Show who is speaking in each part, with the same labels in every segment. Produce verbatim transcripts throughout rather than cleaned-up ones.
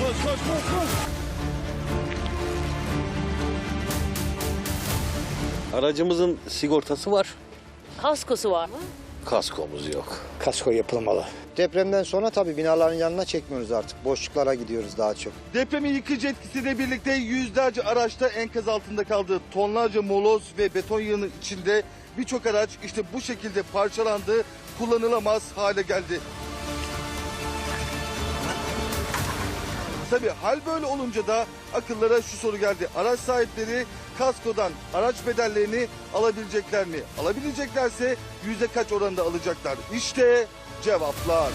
Speaker 1: koş, koş, koş.
Speaker 2: Aracımızın sigortası var.
Speaker 3: Kaskosu var mı?
Speaker 2: Kaskomuz yok.
Speaker 4: Kasko yapılmalı. Depremden sonra tabii binaların yanına çekmiyoruz artık. Boşluklara gidiyoruz daha çok.
Speaker 1: Depremin yıkıcı etkisiyle birlikte yüzlerce araçta enkaz altında kaldı. Tonlarca moloz ve beton yığının içinde birçok araç işte bu şekilde parçalandı, kullanılamaz hale geldi. Tabii hal böyle olunca da akıllara şu soru geldi. Araç sahipleri kaskodan araç bedellerini alabilecekler mi? Alabileceklerse yüzde kaç oranda alacaklar? İşte cevaplar.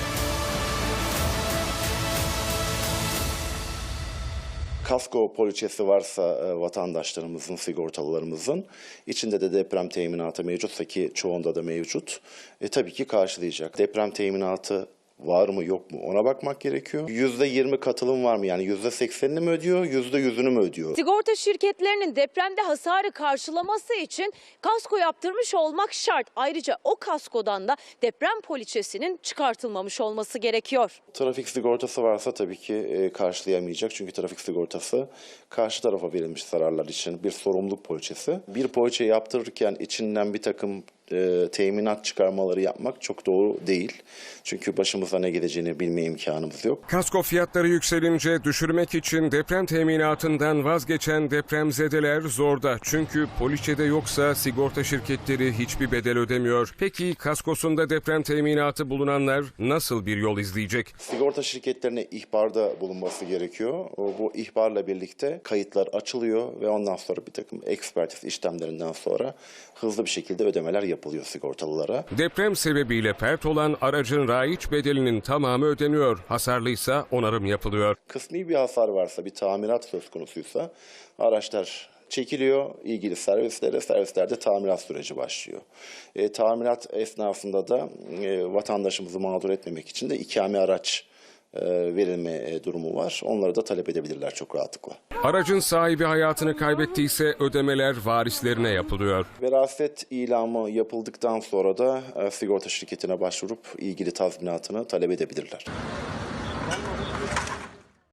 Speaker 5: Kasko poliçesi varsa e, vatandaşlarımızın, sigortalılarımızın içinde de deprem teminatı mevcutsa ki çoğunda da mevcut, e, tabii ki karşılayacak. Deprem teminatı var mı yok mu ona bakmak gerekiyor. yüzde yirmi katılım var mı, yani yüzde seksenini mi ödüyor, yüzde yüzünü mü ödüyor?
Speaker 3: Sigorta şirketlerinin depremde hasarı karşılaması için kasko yaptırmış olmak şart. Ayrıca o kaskodan da deprem poliçesinin çıkartılmamış olması gerekiyor.
Speaker 5: Trafik sigortası varsa tabii ki e, karşılayamayacak. Çünkü trafik sigortası karşı tarafa verilmiş zararlar için bir sorumluluk poliçesi. Bir poliçe yaptırırken içinden bir takım e, teminat çıkarmaları yapmak çok doğru değil. Çünkü başımıza ne gideceğini bilme imkanımız yok.
Speaker 6: Kasko fiyatları yükselince düşürmek için deprem teminatından vazgeçen depremzedeler zorda. Çünkü poliçede yoksa sigorta şirketleri hiçbir bedel ödemiyor. Peki kaskosunda deprem teminatı bulunanlar nasıl bir yol izleyecek?
Speaker 5: Sigorta şirketlerine ihbarda bulunması gerekiyor. O, bu ihbarla birlikte kayıtlar açılıyor ve ondan sonra bir takım ekspertiz işlemlerinden sonra hızlı bir şekilde ödemeler yapılıyor sigortalılara.
Speaker 6: Deprem sebebiyle pert olan aracın raiç bedelinin tamamı ödeniyor. Hasarlıysa onarım yapılıyor.
Speaker 5: Kısmi bir hasar varsa, bir tamirat söz konusuysa araçlar çekiliyor, ilgili servislere, servislerde tamirat süreci başlıyor. E, tamirat esnasında da e, vatandaşımızı mağdur etmemek için de ikame araç e, verilme e, durumu var. Onları da talep edebilirler çok rahatlıkla.
Speaker 6: Aracın sahibi hayatını kaybettiyse ödemeler varislerine yapılıyor.
Speaker 5: Veraset ilamı yapıldıktan sonra da e, sigorta şirketine başvurup ilgili tazminatını talep edebilirler.